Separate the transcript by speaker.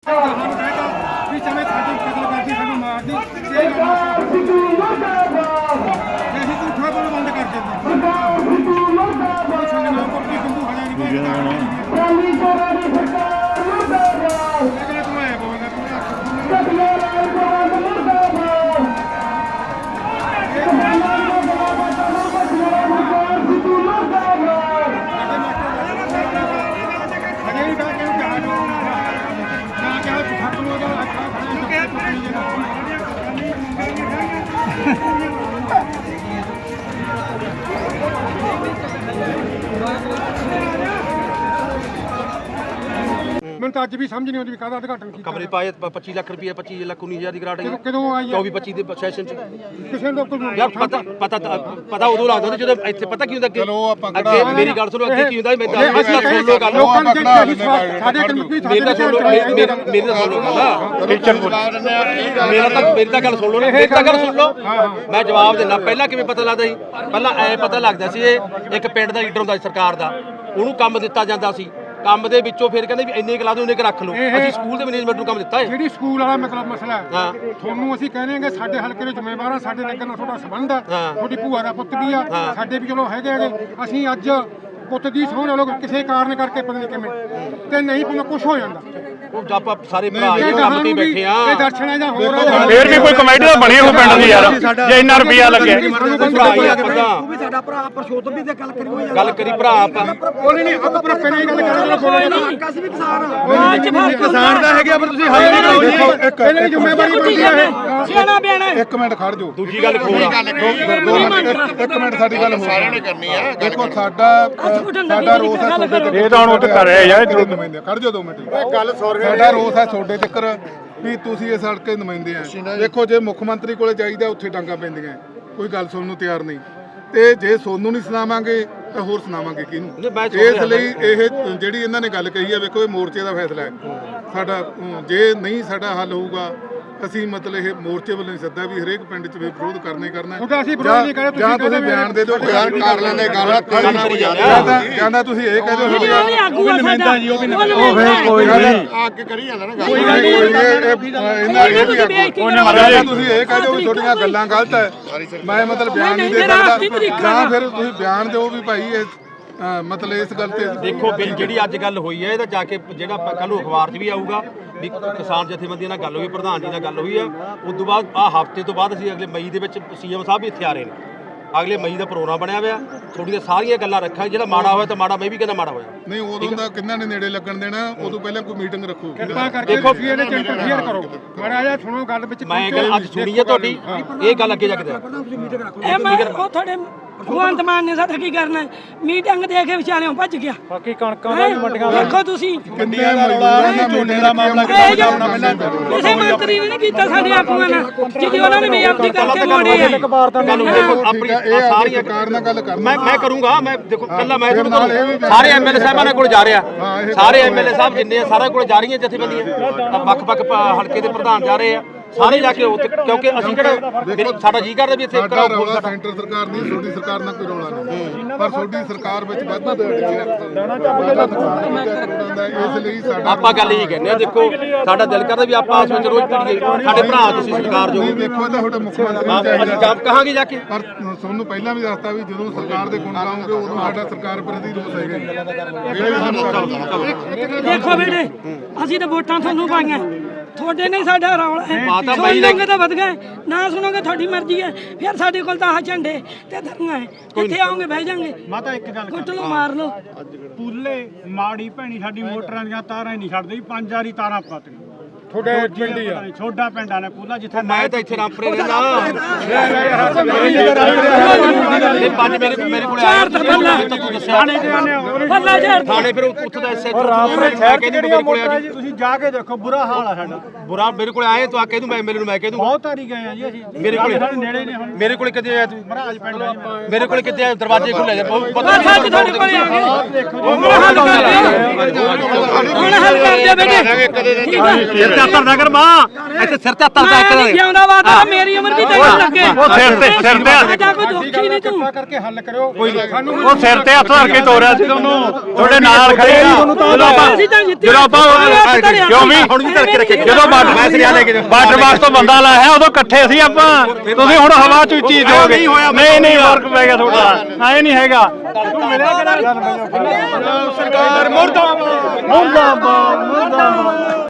Speaker 1: ਮੈਨੂੰ ਤਾਂ ਅੱਜ ਵੀ ਸਮਝ ਨਹੀਂ ਆਉਂਦੀ ਵੀ ਕਾਹਦਾ ਉਦਘਾਟਨ ਕੀਤਾ।
Speaker 2: ਕਮਰੇ ਪਾਏ 25 ਲੱਖ ਰੁਪਏ 25 ਲੱਖ 19,000 ਦੀ ਗ੍ਰਾਂਟ ਆਈ
Speaker 1: ਕਦੋਂ ਆਈ
Speaker 2: 24-25 ਦੇ ਸੈਸ਼ਨ ਚ
Speaker 1: ਕਿਸੇ ਨੂੰ ਕੋਈ
Speaker 2: ਯਾਰ ਪਤਾ ਉਦੋਂ ਲੱਗਦਾ ਜਦੋਂ ਇੱਥੇ ਪਤਾ ਕੀ ਹੁੰਦਾ ਕਿ
Speaker 3: ਚਲੋ ਆਪਾਂ
Speaker 2: ਅੱਗੇ ਮੇਰੀ ਗੱਲ ਸੁਣੋ ਅੱਗੇ ਕੀ ਹੁੰਦਾ ਮੈਂ ਦੱਸਦਾ ਸੁਣ ਲਓ ਗੱਲ
Speaker 1: ਲੋਕਾਂ ਨੂੰ ਸਾਡੇ ਕਮਿਟੀ
Speaker 2: ਮੇਰੀ ਤਾਂ ਸੁਣ ਲਓ ਮੇਰੀ ਤਾਂ ਗੱਲ ਸੁਣ ਲਓ ਮੇਰੀ ਤਾਂ ਗੱਲ ਸੁਣ ਲਓ ਮੈਂ ਜਵਾਬ ਦੇਣਾ। ਪਹਿਲਾਂ ਕਿਵੇਂ ਪਤਾ ਲੱਗਦਾ ਸੀ? ਪਹਿਲਾਂ ਐ ਪਤਾ ਲੱਗਦਾ ਸੀ ਇਹ ਇੱਕ ਪਿੰਡ ਦਾ ਲੀਡਰ ਹੁੰਦਾ ਸੀ ਸਰਕਾਰ ਦਾ, ਉਹਨੂੰ ਕੰਮ ਦਿੱਤਾ ਜਾਂਦਾ ਸੀ, ਕੰਮ ਦੇ ਵਿੱਚੋਂ ਫਿਰ ਕਹਿੰਦੇ ਵੀ ਇੰਨੇ ਕਲਾ ਦੋ ਇੰਨੇ ਕ ਰੱਖ ਲਓ। ਅਸੀਂ ਸਕੂਲ ਦੇ ਮੈਨੇਜਮੈਂਟ ਨੂੰ ਕੰਮ ਦਿੱਤਾ ਹੈ।
Speaker 1: ਜਿਹੜੀ ਸਕੂਲ ਵਾਲਾ ਮਤਲਬ ਮਸਲਾ ਹੈ ਤੁਹਾਨੂੰ ਅਸੀਂ ਕਹਿੰਦੇ ਹਾਂ ਕਿ ਸਾਡੇ ਹਲਕੇ ਦੇ ਜ਼ਿੰਮੇਵਾਰ ਆ, ਸਾਡੇ ਨਗਰ ਨਾਲ ਤੁਹਾਡਾ ਸੰਬੰਧ ਆ, ਤੁਹਾਡੀ ਭੂਆ ਦਾ ਪੁੱਤ ਵੀ ਆ, ਸਾਡੇ ਵੀ ਚਲੋ ਹੈਗੇ ਅਸੀਂ ਅੱਜ ਪੁੱਤ ਦੀ ਸਹੁੰ ਨਾਲ ਕਿਸੇ ਕਾਰਨ ਕਰਕੇ ਪਤਾ ਨਹੀਂ ਕਿਵੇਂ ਤੇ ਨਹੀਂ ਪਤਾ ਕੁਝ ਹੋ ਜਾਂਦਾ।
Speaker 2: ਉਹ ਆਪਾਂ ਸਾਰੇ ਭਰਾ ਇਹ ਕੰਮ ਤੇ ਬੈਠੇ ਆ
Speaker 1: ਇਹ ਦਰਸ਼ਨਾਂ ਜਾਂ ਹੋਰ
Speaker 4: ਫੇਰ ਵੀ ਕੋਈ ਕਮੇਟੀ ਤਾਂ ਬਣੀ ਹੋ ਪਿੰਡ ਦੀ ਯਾਰ, ਜੇ ਇੰਨਾ ਰੁਪਿਆ ਲੱਗਿਆ
Speaker 2: ਉਹ
Speaker 5: ਵੀ ਸਾਡਾ ਭਰਾ ਪਰਸ਼ੋਤਮ ਵੀ ਤੇ
Speaker 2: ਗੱਲ ਕਰੀ ਭਰਾ ਆਪਾਂ
Speaker 1: ਕੋਈ ਨਹੀਂ ਆਪਾਂ ਪਰ ਪਹਿਲਾਂ ਹੀ ਗੱਲ ਕਰਾਂਗੇ।
Speaker 5: ਅਸੀਂ ਵੀ ਕਿਸਾਨ
Speaker 3: ਕਿਸਾਨ ਦਾ ਹੈਗਾ ਪਰ ਤੁਸੀਂ ਹਾਈ ਨਹੀਂ ਕਰੋ ਜੀ।
Speaker 1: ਪਹਿਲਾਂ ਹੀ ਜ਼ਿੰਮੇਵਾਰੀ ਬਣਦੀ ਹੈ
Speaker 5: ਸਿਆਣਾ ਬਿਆਣਾ।
Speaker 3: ਇੱਕ ਮਿੰਟ ਖੜ ਜਾਓ।
Speaker 2: ਦੂਜੀ ਗੱਲ ਖੋਲ
Speaker 3: ਇੱਕ ਮਿੰਟ ਸਾਡੀ ਗੱਲ ਸਾਰਿਆਂ ਨੇ ਕਰਨੀ ਆ। ਦੇਖੋ ਸਾਡਾ ਰੋਸ ਹੈ ਤੁਹਾਡੇ
Speaker 4: ਇਹ ਤਾਂ ਹੁਣ ਉੱਥੇ ਕਰ ਰਿਹਾ ਯਾਰ
Speaker 3: ਨੁਮਾਇੰਦੇ ਖੜ ਜਾਓ 2 ਮਿੰਟ। ਗੱਲ ਸਾਡਾ ਰੋਸ ਹੈ ਤੁਹਾਡੇ ਚੱਕਰ ਵੀ ਤੁਸੀਂ ਇਸ ਹਲਕੇ ਨੁਮਾਇੰਦੇ ਆ। ਦੇਖੋ ਜੇ ਮੁੱਖ ਮੰਤਰੀ ਕੋਲੇ ਜਾਈਦਾ ਉੱਥੇ ਡਾਂਗਾ ਪੈਂਦੀਆਂ, ਕੋਈ ਗੱਲ ਸੁਣਨ ਨੂੰ ਤਿਆਰ ਨਹੀਂ, ਤੇ ਜੇ ਸੋਨੂੰ ਨਹੀਂ ਸੁਣਾਵਾਂਗੇ ਤਾਂ ਹੋਰ ਸੁਣਾਵਾਂਗੇ ਕਿਹਨੂੰ? ਇਸ ਲਈ ਇਹ ਜਿਹੜੀ ਇਹਨਾਂ ਨੇ ਗੱਲ ਕਹੀ ਹੈ, ਵੇਖੋ ਇਹ ਮੋਰਚੇ ਦਾ ਫੈਸਲਾ ਹੈ ਸਾਡਾ। ਜੇ ਨਹੀਂ ਸਾਡਾ ਹੱਲ ਹੋਊਗਾ ਅਸੀਂ ਮਤਲਬ ਇਹ ਮੋਰਚੇ ਵੱਲੋਂ ਸੱਦਾ ਵੀ ਹਰੇਕ ਪਿੰਡ 'ਚ ਵਿਰੋਧ ਕਰਨਾ ਹੀ ਕਰਨਾ। ਜਾਂ ਤੁਸੀਂ ਬਿਆਨ ਦੇ ਦਿਓ ਕਰ ਲੈਂਦੇ ਜਾਂਦਾ ਤੁਸੀਂ ਇਹ ਕਹਿ ਦਿਓ ਅੱਗੇ ਕਰੀ ਜਾਂਦਾ ਨਾ ਤੁਸੀਂ ਇਹ ਕਹਿ ਦਿਓ ਵੀ ਤੁਹਾਡੀਆਂ ਗੱਲਾਂ ਗਲਤ ਹੈ, ਮੈਂ ਮਤਲਬ ਬਿਆਨ ਨਹੀਂ ਦੇ ਸਕਦਾ, ਜਾਂ ਫਿਰ ਤੁਸੀਂ ਬਿਆਨ ਦਿਓ ਵੀ ਭਾਈ ਇਹ ਮਤਲਬ ਇਸ ਗੱਲ ਤੇ
Speaker 2: ਦੇਖੋ ਜਿਹੜੀ ਅੱਜ ਗੱਲ ਹੋਈ ਹੈ ਇਹਦਾ ਜਾ ਕੇ ਜਿਹੜਾ ਕੱਲ ਨੂੰ ਅਖਬਾਰ 'ਚ ਵੀ ਆਊਗਾ ਵੀ ਕਿਸਾਨ ਜਥੇਬੰਦੀਆਂ ਨਾਲ ਗੱਲ ਹੋਈ, ਪ੍ਰਧਾਨ ਜੀ ਨਾਲ ਗੱਲ ਹੋਈ ਆ। ਉਸ ਤੋਂ ਬਾਅਦ ਹਫ਼ਤੇ ਤੋਂ ਬਾਅਦ ਅਸੀਂ ਅਗਲੇ ਮਈ ਦੇ ਵਿੱਚ ਸੀਐਮ ਸਾਹਿਬ ਵੀ ਇੱਥੇ ਆ ਰਹੇ ਨੇ, ਅਗਲੇ ਮਈ ਦਾ ਪ੍ਰੋਗਰਾਮ ਬਣਿਆ ਹੋਇਆ। ਤੁਹਾਡੀਆਂ ਸਾਰੀਆਂ ਗੱਲਾਂ ਰੱਖਾਂ, ਜਿਹੜਾ ਮਾੜਾ ਹੋਇਆ ਤਾਂ ਮਾੜਾ, ਮੈਂ ਵੀ ਕਹਿੰਦਾ ਮਾੜਾ ਹੋਇਆ
Speaker 3: ਨਹੀਂ। ਉਦੋਂ ਦਾ ਕਿੰਨਾ ਨੇ ਨੇੜੇ ਲੱਗਣ ਦੇਣਾ, ਉਦੋਂ ਪਹਿਲਾਂ ਕੋਈ ਮੀਟਿੰਗ ਰੱਖੋ।
Speaker 1: ਕਿਰਪਾ ਕਰਕੇ ਤੁਸੀਂ ਇਹਦੇ ਚ ਇੰਟਰਫੇਅਰ ਕਰੋ ਮਾੜਾ ਜਿਹਾ ਸੁਣੋ ਗੱਲ ਵਿੱਚ।
Speaker 2: ਮੈਂ ਗੱਲ ਅੱਜ ਸੁਣੀ ਹੈ ਤੁਹਾਡੀ, ਇਹ ਗੱਲ ਅੱਗੇ ਜਾ ਕੇ
Speaker 5: ਇਹ ਮੈਂ ਉਹ ਤੁਹਾਡੇ ਭਗਵੰਤ ਮਾਨ ਨੇ ਸਾਡਾ ਕੀ ਕਰਨਾ, ਮੀਟਿੰਗ ਦੇ ਕੇ ਵਿਚਾਰਿਓਂ ਭੱਜ ਗਿਆ।
Speaker 4: ਬਾਕੀ ਕਣਕਾਂ ਦਾ ਵੀ ਮੰਡੀਆਂ
Speaker 5: ਦੇਖੋ ਤੁਸੀਂ
Speaker 3: ਕਿੰਨੇ ਦਾ ਰੌਲਾ ਝੋਨੇ ਦਾ ਮਾਮਲਾ
Speaker 5: ਕਿਸੇ ਮੰਤਰੀ ਨੇ ਨਹੀਂ ਕੀਤਾ ਸਾਡੇ ਆਗੂਆਂ ਨਾਲ, ਜਿਹਦੀ ਉਹਨਾਂ ਨੇ ਬੇਅਦਬੀ ਕਰਕੇ ਮੋੜੇ ਆ।
Speaker 2: ਆਪਣੀ ਸਾਰੀਆਂ
Speaker 3: ਸਰਕਾਰ ਨਾਲ ਗੱਲ ਕਰ
Speaker 2: ਮੈਂ ਕਰੂੰਗਾ। ਮੈਂ ਦੇਖੋ ਕੱਲਾ ਮੈਂ ਸਾਰੇ ਐਮਐਲਏ ਸਾਹਿਬਾਂ ਕੋਲ ਜਾ ਰਿਹਾ, ਸਾਰੇ ਐਮਐਲਏ ਸਾਹਿਬ ਜਿੰਨੇ ਆ ਸਾਰਿਆਂ ਕੋਲ ਜਾ ਰਹੀਆਂ ਜਥੇਬੰਦੀਆਂ, ਵੱਖ-ਵੱਖ ਹਲਕੇ ਦੇ ਪ੍ਰਧਾਨ ਜਾ ਰਹੇ ਆ ਸਾਰੇ ਜਾ ਕੇ ਉੱਥੇ, ਕਿਉਂਕਿ ਅਸੀਂ ਕਿਹੜਾ ਸਾਡਾ ਜੀ ਕਰਦਾ ਵੀ ਇੱਥੇ
Speaker 3: ਸਾਡਾ ਰੌਲਾ ਸੈਂਟਰ ਸਰਕਾਰ ਨਹੀਂ, ਤੁਹਾਡੀ ਸਰਕਾਰ ਨਾਲ ਕੋਈ ਰੌਲਾ ਨਹੀਂ, ਪਰ ਤੁਹਾਡੀ ਸਰਕਾਰ ਵਿੱਚ ਵਾਧਾ ਇਸ ਲਈ ਸਾਡਾ
Speaker 2: ਆਪਾਂ ਗੱਲ ਇਹ ਕਹਿੰਦੇ ਆ। ਦੇਖੋ ਸਾਡਾ ਦਿਲ ਕਰਦਾ ਵੀ ਆਪਾਂ ਆਪਸ ਵਿੱਚ ਰੋਜ਼ ਪੜੀਏ, ਸਾਡੇ ਭਰਾ ਤੁਸੀਂ ਸਰਕਾਰ ਜੋ
Speaker 3: ਦੇਖੋ ਤਾਂ ਤੁਹਾਡਾ ਮੁੱਖ ਮੰਤਰੀ
Speaker 2: ਅਸੀਂ ਕੰਮ ਕਹਾਂਗੇ ਜਾ ਕੇ।
Speaker 3: ਪਰ ਤੁਹਾਨੂੰ ਪਹਿਲਾਂ ਵੀ ਦੱਸਤਾ ਵੀ ਜਦੋਂ ਸਰਕਾਰ ਦੇ ਗੁਣ ਗਾਉਂਗੇ ਉਦੋਂ ਸਾਡਾ ਸਰਕਾਰ ਪ੍ਰਤੀ ਰੋਸ ਹੈਗਾ।
Speaker 5: ਦੇਖੋ ਬੇਟੇ ਅਸੀਂ ਤਾਂ ਵੋਟਾਂ ਤੁਹਾਨੂੰ ਪਾਈਆਂ, ਤੁਹਾਡੇ ਨਹੀਂ ਸਾਡਾ ਰੌਲਾ ਹੈ। ਸੁਣੋਗੇ ਤਾਂ ਵਧ ਗਏ, ਨਾ ਸੁਣੋਗੇ ਤੁਹਾਡੀ ਮਰਜ਼ੀ ਹੈ। ਫਿਰ ਸਾਡੇ ਕੋਲ ਤਾਂ ਆਹ ਝੰਡੇ ਤੇ ਧਰਨਾ ਹੈ, ਕਿੱਥੇ ਆਓਗੇ ਬਹਿ ਜਾਾਂਗੇ।
Speaker 4: ਮਾਤਾ ਇੱਕ ਗੱਲ
Speaker 5: ਕੁੱਟ ਲਓ ਮਾਰ ਲਓ।
Speaker 4: ਪੂਲੇ ਮਾੜੀ ਭੈਣੀ ਸਾਡੀ ਮੋਟਰਾਂ ਦੀਆਂ ਤਾਰਾਂ ਹੀ ਨਹੀਂ ਛੱਡਦੀ, 5 ਵਾਰੀ ਤਾਰਾਂ ਪਾਤੀਆਂ।
Speaker 1: ਤੁਹਾਡੇ ਪਿੰਡ ਹੀ ਆ,
Speaker 4: ਛੋਡਾ ਪਿੰਡ ਆ ਨੇ ਪੂਲਾ, ਜਿੱਥੇ
Speaker 2: ਮੈਂ ਤਾਂ ਇੱਥੇ ਰਾਮਪੁਰੇ ਰਹਿੰਦਾ। ਇਹ ਪੰਜ ਮੇਰੇ ਕੋਲ ਆਇਆ ਤੂੰ ਦੱਸਿਆ ਥਾਣੇ, ਫਿਰ ਉੱਥੇ ਦਾ ਐਸਐਚਓ ਮੇਰੇ ਕੋਲ ਆ ਜੀ।
Speaker 4: ਤੁਸੀਂ ਜਾ ਕੇ ਦੇਖੋ ਬੁਰਾ ਹਾਲ ਆ ਸਾਡਾ।
Speaker 2: ਬੁਰਾ ਮੇਰੇ ਕੋਲ ਆਏ ਤੂੰ ਆ ਕਹਿ ਦੂੰ, ਮੈਂ ਮੇਰੇ ਨੂੰ ਮੈਂ ਕਹਿ ਦੂੰ
Speaker 4: ਬਹੁਤ ਵਾਰੀ ਗਏ ਆ ਜੀ ਅਸੀਂ।
Speaker 2: ਮੇਰੇ ਕੋਲ
Speaker 4: ਨੇੜੇ ਨੇ ਹੁਣ।
Speaker 2: ਮੇਰੇ ਕੋਲ ਕਿੱਥੇ ਆਇਆ ਤੂੰ?
Speaker 4: ਮਹਾਰਾਜ ਪਿੰਡ
Speaker 2: ਮੇਰੇ ਕੋਲ ਕਿੱਥੇ ਆਇਆ? ਦਰਵਾਜ਼ੇ ਖੁੱਲੇ ਜਾ
Speaker 5: ਪਤਾ ਤੁਹਾਡੇ ਕੋਲੇ ਆ ਗਏ। ਹੁਣ ਹੱਲ ਕਰ ਦਿਓ, ਹੁਣ ਹੱਲ ਕਰ ਦਿਓ ਬੇਟੇ। ਠੀਕ ਹੈ
Speaker 2: ਸਿਰ ਤੇ ਹੱਥ ਨਾ ਕਰ ਮਾਂ, ਇੱਥੇ ਸਿਰ ਤੇ ਹੱਥ
Speaker 5: ਮੈਂ ਜਿਉਂਦਾ ਵਾਦਾ ਮੇਰੀ ਉਮਰ ਵੀ ਤੈਨੂੰ ਲੱਗੇ।
Speaker 4: ਉਹ ਸਿਰ ਤੇ
Speaker 5: ਸਾਡਾ ਕੋਈ ਦੁੱਖੀ ਨਹੀਂ ਤੂੰ
Speaker 1: ਕਰਕੇ ਹੱਲ ਕਰਿਓ। ਕੋਈ ਸਾਨੂੰ
Speaker 4: ਉਹ ਸਿਰ ਤੇ ਹੱਥ ਧਰ ਕੇ ਤੋਰਿਆ ਸੀ ਤੁਹਾਨੂੰ, ਤੁਹਾਡੇ ਨਾਲ ਖੜੇ ਆ। ਜਦੋਂ ਆਪਾਂ
Speaker 5: ਧਰਿਆ
Speaker 6: ਕਿਉਂ ਵੀ
Speaker 2: ਹੁਣ ਵੀ ਧਰਕੇ ਰੱਖੇ
Speaker 6: ਜਦੋਂ ਵਾਟਰ ਬਾਕਸ ਤੋਂ ਬੰਦਾ ਲਾਇਆ ਉਦੋਂ ਇਕੱਠੇ ਸੀ ਆਪਾਂ ਤੁਸੀਂ ਹੁਣ ਹਵਾ ਚ ਉੱਚੀ ਜਾਓਗੇ ਨਹੀਂ ਫਰਕ ਪੈ ਗਿਆ ਤੁਹਾਡਾ ਐ ਨਹੀਂ ਹੈਗਾ ਤੂੰ ਮਿਲਿਆ ਕਿਹੜਾ ਸਰਕਾਰ ਮੁਰਦਾਬਾਦ